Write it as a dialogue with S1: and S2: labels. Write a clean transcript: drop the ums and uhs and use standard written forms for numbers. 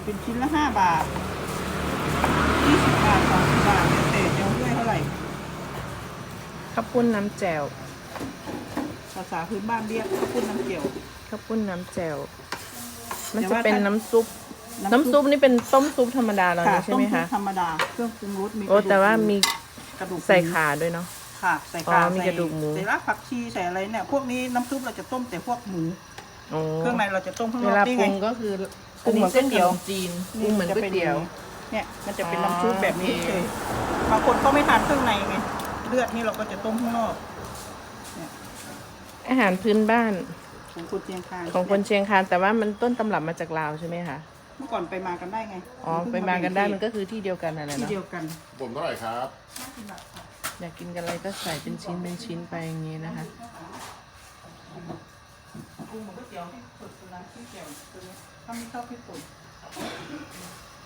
S1: เป็นชิ้นละ5 บาท20 บาท30 บาทแต่จะเอาด้วยเท่าไหร่
S2: ข้าวปุ้นน้ำแจ่ว
S1: ภาษาพื้นบ้านเรียกข้าวปุ้นน้ำเจียว
S2: ข้าวปุ้นน้ำแจ่วมัน
S1: แต่
S2: จะ
S1: ว่า
S2: เป็น
S1: ถ้า
S2: น้ำซุปน้ำซุปนี่เป็นต้มซุปธรรมดาแล้ว
S1: ค่ะ
S2: นะใช่ไหม
S1: ต้ม
S2: คะ
S1: ซุปธรรมดาเครื่องปรุงรสมี
S2: โอ้แต่ว่ามี
S1: กระดูก
S2: ใส่ขาด้วยเนาะ
S1: ค่ะใส่
S2: อ๋
S1: ขา
S2: อมีกระดูกหมู
S1: ใส่รากผักชีใส่อะไรเนี่ยพวกนี้น้ำซุปเราจะต้มแต่พวกหมู
S2: โอ้
S1: เครื่องในเราจะต้มข้างน
S2: เว
S1: อก
S2: ลา
S1: นี่
S2: ปรุ
S1: ไง
S2: งก็คือ
S1: ปรุงเหมือนก๋วยเตี๋ยว
S2: ขนมจีนปรุงเหมือนก๋วยเตี๋ยว
S1: เนี่ยมันจะเป็นน้ำซุปแบบนี้
S2: โอเค
S1: เลยบางคนเขาไม่ทานเครื่องในไงเลือดนี่เราก็จะต้มข้างนอกเนี่ย
S2: อาหารพื้นบ้าน
S1: ของคนเชียงคาน
S2: ของคนเชียงคานแต่ว่ามันต้นตำรับมาจากลาวใช่ไหมคะ
S1: เมื่อก่อนไปมากันได้ไง
S2: อ๋อไปมากันได้มันก็คือที่เดียวกันนั่นแหละ
S1: ที่
S2: เนาะ
S1: เดียวกัน
S3: ผมเท่าไหร่ครับ
S2: อยากกินกันอะไรก็ใส่เป็นชิ้นเป็นชิ้นไปอย่างนี้นะคะ
S1: ปรุงเหมือนก๋วยเตี๋ยวให้สดสุดร้านที่เจียวตัวนี้ถ้าไม่ชอบพริกป่น